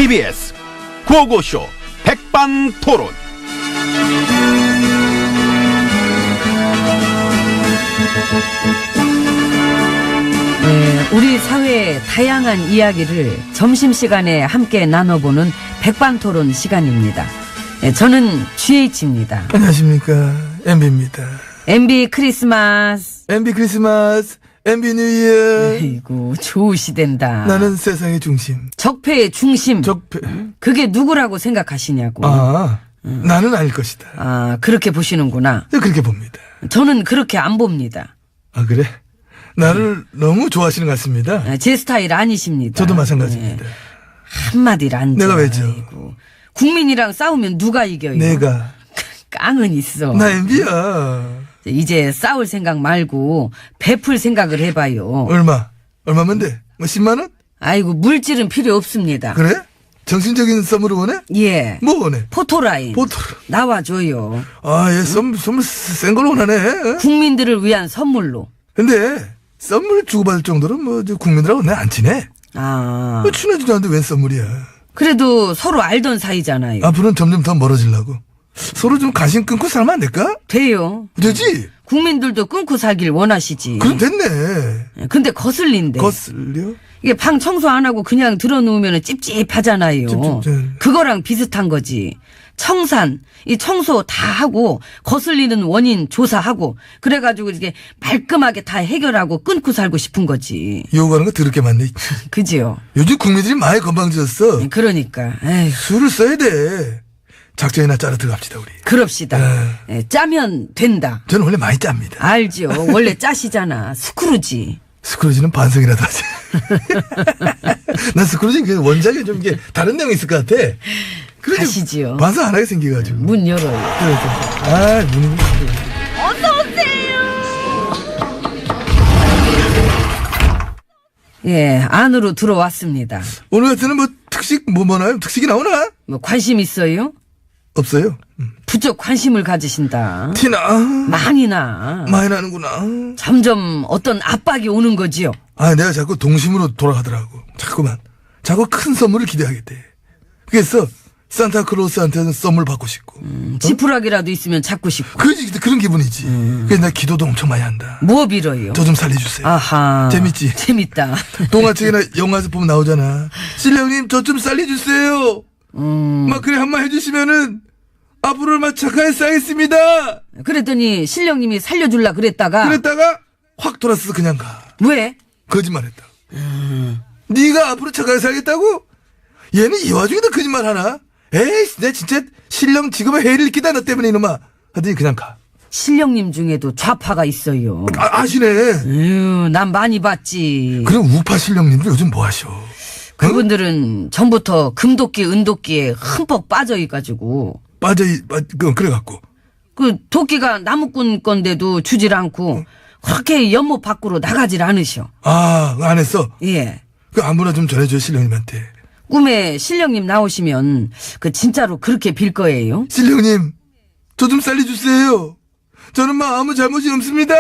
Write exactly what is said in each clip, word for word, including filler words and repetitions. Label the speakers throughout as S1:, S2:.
S1: 티비에스 구호고쇼 백반토론.
S2: 네, 우리 사회의 다양한 이야기를 점심시간에 함께 나눠보는 백반토론 시간입니다. 네, 저는 지에이치입니다.
S3: 안녕하십니까, 엠비입니다.
S2: 엠비 크리스마스.
S3: 엠비 크리스마스, 엠비 뉴 이어.
S2: 아이고, 좋으시댄다.
S3: 나는 세상의 중심.
S2: 적폐의 중심.
S3: 적폐.
S2: 그게 누구라고 생각하시냐고.
S3: 아, 음. 나는 아닐 것이다.
S2: 아, 그렇게 보시는구나.
S3: 그렇게 봅니다.
S2: 저는 그렇게 안 봅니다.
S3: 아, 그래? 나를 너무 좋아하시는 것 같습니다.
S2: 아, 제 스타일 아니십니다.
S3: 저도 마찬가지입니다.
S2: 네. 한마디를 안
S3: 내가
S2: 줘.
S3: 왜죠?
S2: 아이고. 국민이랑 싸우면 누가 이겨요?
S3: 내가.
S2: 깡은 있어.
S3: 나 엠비야.
S2: 이제 싸울 생각 말고 베풀 생각을 해봐요.
S3: 얼마? 얼마면 돼? 뭐 십만 원?
S2: 아이고, 물질은 필요 없습니다.
S3: 그래? 정신적인 선물을 원해?
S2: 예.
S3: 뭐 원해?
S2: 포토라인.
S3: 포토.
S2: 나와줘요.
S3: 아, 얘 선, 선물 센 걸로 원하네.
S2: 국민들을 위한 선물로.
S3: 근데 선물 주고받을 정도로 뭐 저 국민들하고 내가 안 친해.
S2: 아.
S3: 뭐 친하지도 않는데 웬 선물이야.
S2: 그래도 서로 알던 사이잖아요.
S3: 앞으로는 점점 더 멀어지려고. 서로 좀 관심 끊고 살면 안 될까?
S2: 돼요.
S3: 되지?
S2: 국민들도 끊고 살길 원하시지.
S3: 그럼 됐네.
S2: 근데 거슬린데.
S3: 거슬려?
S2: 이게 방 청소 안 하고 그냥 들어놓으면 찝찝하잖아요.
S3: 찝찝,
S2: 그거랑 비슷한 거지. 청산, 이 청소 다 하고 거슬리는 원인 조사하고 그래가지고 이렇게 말끔하게 다 해결하고 끊고 살고 싶은 거지.
S3: 요구하는 거 더럽게 많네.
S2: 그지요?
S3: 요즘 국민들이 많이 건방져졌어.
S2: 그러니까. 에휴,
S3: 술을 써야 돼. 작전이나 짜러 들어갑시다 우리.
S2: 그럽시다.
S3: 네.
S2: 예, 짜면 된다.
S3: 저는 원래 많이 짭니다.
S2: 알죠. 원래 짜시잖아. 스크루지.
S3: 스크루지는 반성이라도 하지. 난 스크루지 그 원작에 좀 이게 다른 내용이 있을 것 같아. 그래 좀
S2: 가시지요.
S3: 반성 안 하게 생겨가지고.
S2: 문 열어요.
S3: 그래, 그래. 아, 문이.
S2: 예, 안으로 들어왔습니다.
S3: 오늘 같은 뭐 특식 뭐 뭐나요? 특식이 나오나?
S2: 뭐 관심 있어요?
S3: 없어요. 음.
S2: 부쩍 관심을 가지신다.
S3: 티나.
S2: 많이 나.
S3: 많이 나는구나.
S2: 점점 어떤 압박이 오는 거지요.
S3: 아, 내가 자꾸 동심으로 돌아가더라고. 자꾸만. 자꾸 큰 선물을 기대하겠대. 그래서 산타클로스한테는 선물 받고 싶고.
S2: 음, 지푸라기라도 있으면 잡고 싶고.
S3: 그지, 그런 기분이지.
S2: 음.
S3: 그래서 나 기도도 엄청 많이 한다.
S2: 뭐 빌어요?
S3: 저 좀 살려주세요.
S2: 아하.
S3: 재밌지?
S2: 재밌다.
S3: 동화책이나 영화에서 보면 나오잖아. 신령님, 저 좀 살려주세요.
S2: 음.
S3: 막 그래 한번 해주시면은 앞으로 막 착하게 쌓겠습니다.
S2: 그랬더니 신령님이 살려줄라 그랬다가.
S3: 그랬다가 확 돌아서 그냥 가.
S2: 왜?
S3: 거짓말했다. 네가 앞으로 착하게 살겠다고? 얘는 이 와중에도 거짓말 하나? 에이, 내 진짜 신령 직업의 해를 끼다 너 때문에 이놈아. 하더니 그냥 가.
S2: 신령님 중에도 좌파가 있어요.
S3: 아, 아시네.
S2: 에휴, 난 많이 봤지.
S3: 그럼 우파 신령님들 요즘 뭐 하셔?
S2: 그분들은 전부터 금도끼, 은도끼에 흠뻑 빠져있가지고.
S3: 빠져, 빠, 그, 그래갖고.
S2: 그 도끼가 나무꾼 건데도 주질 않고 그렇게 연못 밖으로 나가질 않으셔.
S3: 아, 안 했어?
S2: 예.
S3: 그 안무나 좀 전해줘요, 신령님한테.
S2: 꿈에 신령님 나오시면 그 진짜로 그렇게 빌 거예요.
S3: 신령님, 저 좀 살려주세요. 저는 막 아무 잘못이 없습니다.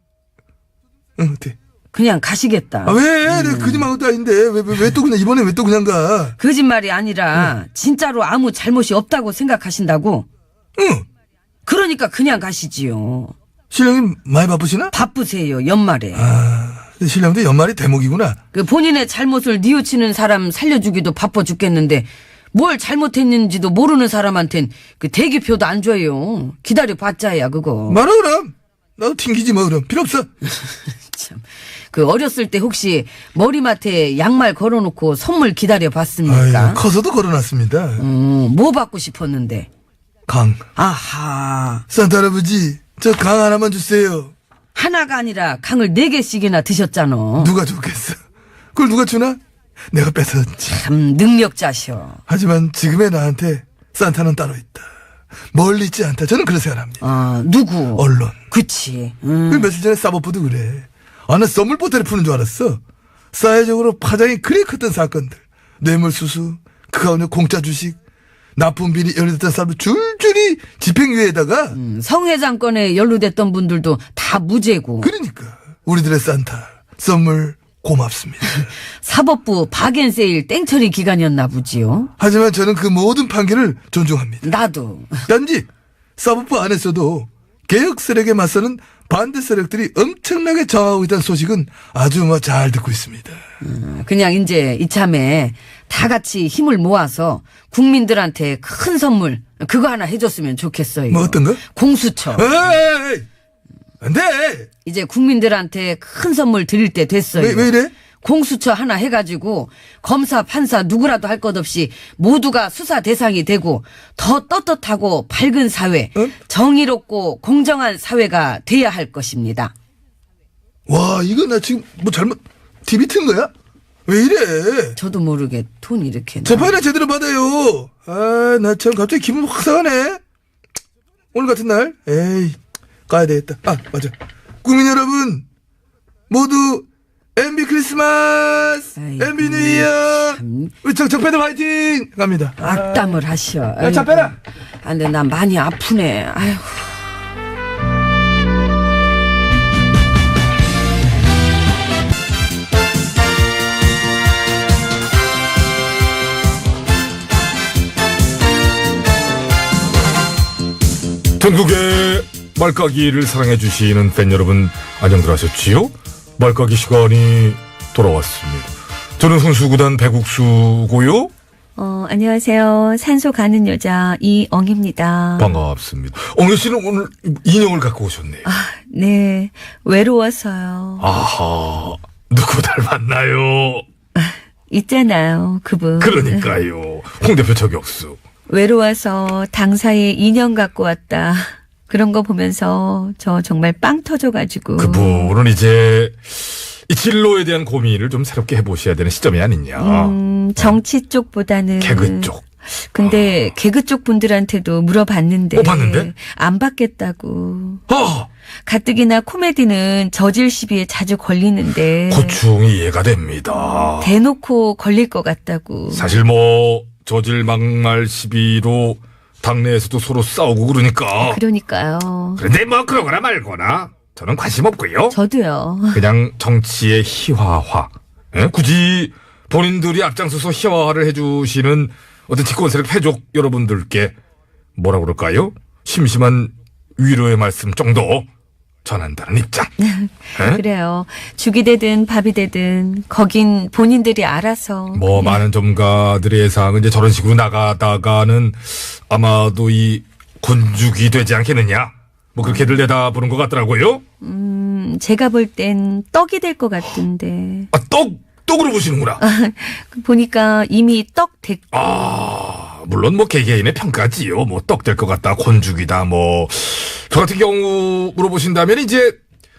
S3: 응, 어때?
S2: 그냥 가시겠다.
S3: 아, 왜? 내가 거짓말한 것도 아닌데. 왜, 왜, 왜 또 그냥, 이번에 왜 또 그냥 가?
S2: 거짓말이 아니라 진짜로 아무 잘못이 없다고 생각하신다고?
S3: 응.
S2: 그러니까 그냥 가시지요.
S3: 신령님 많이 바쁘시나?
S2: 바쁘세요, 연말에.
S3: 아, 신령도 연말이 대목이구나.
S2: 그 본인의 잘못을 뉘우치는 사람 살려주기도 바빠 죽겠는데 뭘 잘못했는지도 모르는 사람한텐 그 대기표도 안 줘요. 기다려 봤자야 그거.
S3: 말아, 그럼. 나도 튕기지 뭐, 그럼. 필요 없어.
S2: 참. 그 어렸을 때 혹시 머리맡에 양말 걸어놓고 선물 기다려 봤습니까?
S3: 아유, 커서도 걸어놨습니다.
S2: 음, 뭐 받고 싶었는데?
S3: 강.
S2: 아하.
S3: 산타 할아버지, 저 강 하나만 주세요.
S2: 하나가 아니라 강을 네 개씩이나 드셨잖아.
S3: 누가 줬겠어? 그걸 누가 주나? 내가 뺏었지.
S2: 참 능력자셔.
S3: 하지만 지금의 나한테 산타는 따로 있다. 멀리 있지 않다. 저는 그렇게 생각합니다.
S2: 아, 누구?
S3: 언론.
S2: 그치.
S3: 그
S2: 음.
S3: 며칠 전에 사법부도 그래. 아, 나 썸물 보따리 푸는 줄 알았어. 사회적으로 파장이 그리 컸던 사건들. 뇌물수수, 그 가운데 공짜 주식, 나쁜 비리 연루됐던 사람들 줄줄이 집행유예에다가.
S2: 음, 성회장 건에 연루됐던 분들도 다 무죄고.
S3: 그러니까 우리들의 산타 선물 고맙습니다.
S2: 사법부 박앤세일 땡처리 기간이었나 보지요.
S3: 하지만 저는 그 모든 판결을 존중합니다.
S2: 나도.
S3: 단지 사법부 안에서도 개혁 세력에 맞서는 반대 세력들이 엄청나게 저하고 있다는 소식은 아주 뭐 잘 듣고 있습니다.
S2: 그냥 이제 이참에 다 같이 힘을 모아서 국민들한테 큰 선물 그거 하나 해줬으면 좋겠어요.
S3: 뭐 어떤 거?
S2: 공수처.
S3: 에이, 안 돼!
S2: 이제 국민들한테 큰 선물 드릴 때 됐어요.
S3: 왜, 왜 이래?
S2: 공수처 하나 해가지고 검사 판사 누구라도 할 것 없이 모두가 수사 대상이 되고 더 떳떳하고 밝은 사회,
S3: 응?
S2: 정의롭고 공정한 사회가 돼야 할 것입니다.
S3: 와, 이거 나 지금 뭐 잘못, 티비 튼 거야? 왜 이래?
S2: 저도 모르게 돈 이렇게. 나-
S3: 재판이나 제대로 받아요. 아, 나 참 갑자기 기분 확 상하네. 오늘 같은 날, 에이, 가야 되겠다. 아, 맞아. 국민 여러분, 모두 엠비 크리스마스,
S2: 아이고,
S3: 엠비 뉴 이어,
S2: 참.
S3: 우리 정, 정패들 화이팅! 갑니다.
S2: 악담을 하셔.
S3: 야, 차 빼라!
S2: 아, 근데 나 많이 아프네. 아휴.
S4: 전국의 말까기를 사랑해주시는 팬 여러분, 안녕들 하셨지요? 말까기 시간이 돌아왔습니다. 저는 훈수구단 배국수고요.
S5: 어, 안녕하세요. 산소 가는 여자 이엉입니다.
S4: 반갑습니다. 엉여 씨는 오늘 인형을 갖고 오셨네요.
S5: 아, 네. 외로워서요.
S4: 아하, 누구 닮았나요?
S5: 있잖아요, 그분.
S4: 그러니까요. 홍 대표 저격수.
S5: 외로워서 당사에 인형 갖고 왔다. 그런 거 보면서 저 정말 빵 터져가지고.
S4: 그분은 이제 이 진로에 대한 고민을 좀 새롭게 해보셔야 되는 시점이 아니냐.
S5: 음, 정치 쪽보다는.
S4: 개그 쪽.
S5: 근데 개그 쪽 분들한테도 물어봤는데.
S4: 어, 봤는데?
S5: 안 받겠다고.
S4: 아,
S5: 가뜩이나 코미디는 저질 시비에 자주 걸리는데.
S4: 고충이 이해가 됩니다.
S5: 대놓고 걸릴 것 같다고.
S4: 사실 뭐 저질 막말 시비로 당내에서도 서로 싸우고 그러니까.
S5: 그러니까요.
S4: 그런데 뭐 그러거나 말거나 저는 관심 없고요.
S5: 저도요.
S4: 그냥 정치의 희화화. 예? 굳이 본인들이 앞장서서 희화화를 해주시는 어떤 집권 세력 패족 여러분들께 뭐라 그럴까요? 심심한 위로의 말씀 정도 전한다는 입장. 예?
S5: 그래요. 죽이 되든 밥이 되든 거긴 본인들이 알아서.
S4: 뭐 많은 전문가들의 예상은 이제 저런 식으로 나가다가는 아마도 이 곤죽이 되지 않겠느냐. 뭐 그렇게들 내다보는 것 같더라고요.
S5: 음, 제가 볼 땐 떡이 될 것 같은데.
S4: 아, 떡 떡으로 보시는구나.
S5: 보니까 이미 떡 됐고.
S4: 아, 물론 뭐 개개인의 평가지요. 뭐 떡 될 것 같다, 곤죽이다, 뭐. 저 같은 경우 물어보신다면 이제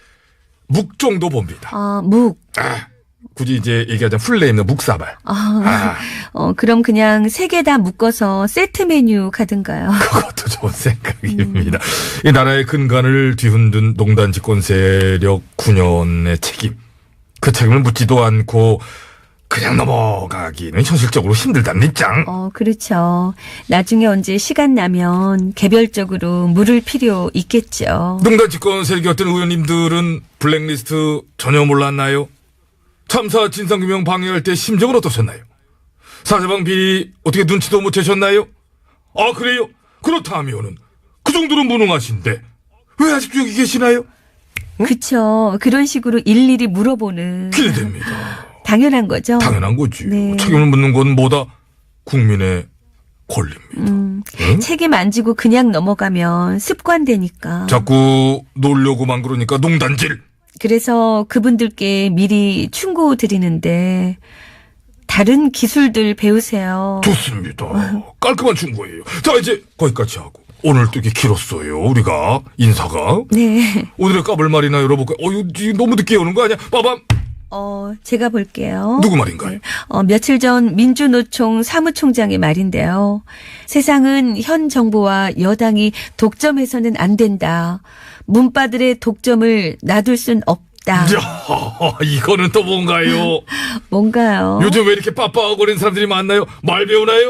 S4: 묵 정도 봅니다.
S5: 아, 묵.
S4: 아, 굳이 이제 얘기하자면 플레임은 묵사발.
S5: 아,
S4: 아,
S5: 어, 그럼 그냥 세 개 다 묶어서 세트 메뉴 가든가요.
S4: 그것도 좋은 생각입니다. 이 나라의 근간을 뒤흔든 농단 집권 세력 구 년의 책임. 그 책임을 묻지도 않고 그냥 넘어가기는 현실적으로 힘들다는 입장.
S5: 어, 그렇죠. 나중에 언제 시간 나면 개별적으로 물을 필요 있겠죠.
S4: 농단 집권 세력이었던 의원님들은 블랙리스트 전혀 몰랐나요? 참사 진상규명 방해할 때 심정은 어떠셨나요? 사자방 비리 어떻게 눈치도 못 채셨나요? 아, 그래요? 그렇다면은 그 정도로 무능하신데 왜 아직도 여기 계시나요?
S5: 그쵸. 그런 식으로 일일이 물어보는.
S4: 기대됩니다.
S5: 당연한 거죠.
S4: 당연한 거지.
S5: 네.
S4: 책임을 묻는 건 뭐다? 국민의 권리입니다.
S5: 음,
S4: 응?
S5: 책임 안 지고 그냥 넘어가면 습관되니까.
S4: 자꾸 놀려고만 그러니까 농단질.
S5: 그래서 그분들께 미리 충고 드리는데 다른 기술들 배우세요.
S4: 좋습니다. 깔끔한 충고예요. 자, 이제 거기까지 하고. 오늘 또 이게 길었어요. 우리가 인사가.
S5: 네.
S4: 오늘의 까불 말이나 열어볼까요? 어, 이거 너무 늦게 오는 거 아니야? 빠밤.
S5: 어, 제가 볼게요.
S4: 누구 말인가요?
S5: 어, 며칠 전 민주노총 사무총장의 말인데요. 세상은 현 정부와 여당이 독점해서는 안 된다. 문바들의 독점을 놔둘 순 없다.
S4: 야, 이거는 또 뭔가요?
S5: 뭔가요?
S4: 요즘 왜 이렇게 빠빠거리는 사람들이 많나요? 말 배우나요?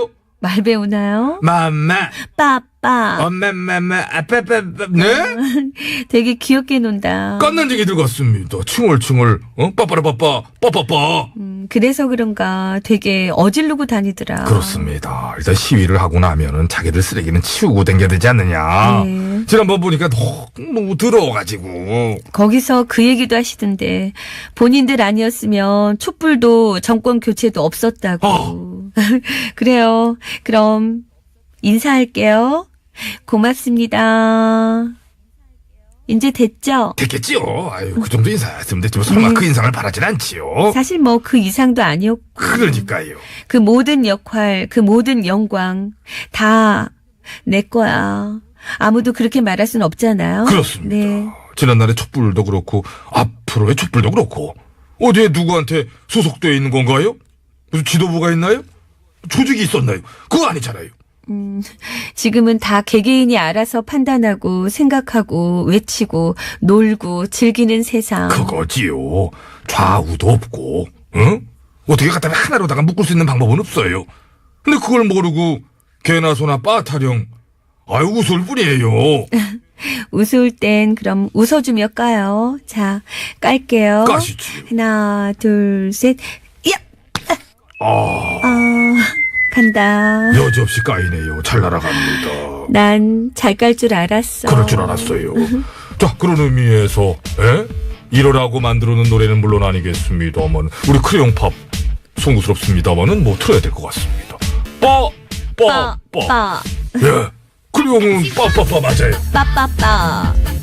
S5: 말 배우나요?
S4: 맘마,
S5: 빠빠.
S4: 엄마마마, 아빠빠빠, 네?
S5: 되게 귀엽게 논다.
S4: 깐난쟁이 들어갔습니다. 칭얼칭얼, 어? 빠빠라빠빠, 빠빠빠.
S5: 음, 그래서 그런가 되게 어지르고 다니더라.
S4: 그렇습니다. 일단 시위를 하고 나면은 자기들 쓰레기는 치우고 댕겨야 되지 않느냐.
S5: 네.
S4: 지난번 보니까 너무 더러워가지고.
S5: 거기서 그 얘기도 하시던데 본인들 아니었으면 촛불도 정권 교체도 없었다고.
S4: 어.
S5: 그래요. 그럼 인사할게요. 고맙습니다. 이제 됐죠?
S4: 됐겠지요. 아유, 그 정도 인사했으면 됐지. 뭐 설마
S5: 네.
S4: 그 인상을 바라진 않지요.
S5: 사실 뭐 그 이상도 아니었고
S4: 그러니까요.
S5: 그 모든 역할, 그 모든 영광 다 내 거야. 아무도 그렇게 말할 순 없잖아요.
S4: 그렇습니다.
S5: 네.
S4: 지난날의 촛불도 그렇고 앞으로의 촛불도 그렇고 어디에 누구한테 소속되어 있는 건가요? 무슨 지도부가 있나요? 조직이 있었나요? 그거 아니잖아요.
S5: 지금은 다 개개인이 알아서 판단하고 생각하고 외치고 놀고 즐기는 세상.
S4: 그거지요. 좌우도 없고, 응? 어떻게 갖다 하나로다가 묶을 수 있는 방법은 없어요. 근데 그걸 모르고 개나 소나 빠타령, 아유 웃을 뿐이에요.
S5: 웃을 땐 그럼 웃어주며 까요. 자, 깔게요.
S4: 까시지.
S5: 하나, 둘, 셋. 야!
S4: 아,
S5: 아, 간다.
S4: 여지없이 까이네요. 잘 날아갑니다.
S5: 난 잘 깔 줄 알았어.
S4: 그럴 줄 알았어요. 자, 그런 의미에서, 에? 이러라고 만들어놓은 노래는 물론 아니겠습니다만, 우리 크레용팝 송구스럽습니다만은 뭐 틀어야 될 것 같습니다. 빠, 빠,
S5: 빠,
S4: 빠.
S5: 빠,
S4: 예. 크레용은 빠빠빠 맞아요.
S5: 빠빠빠.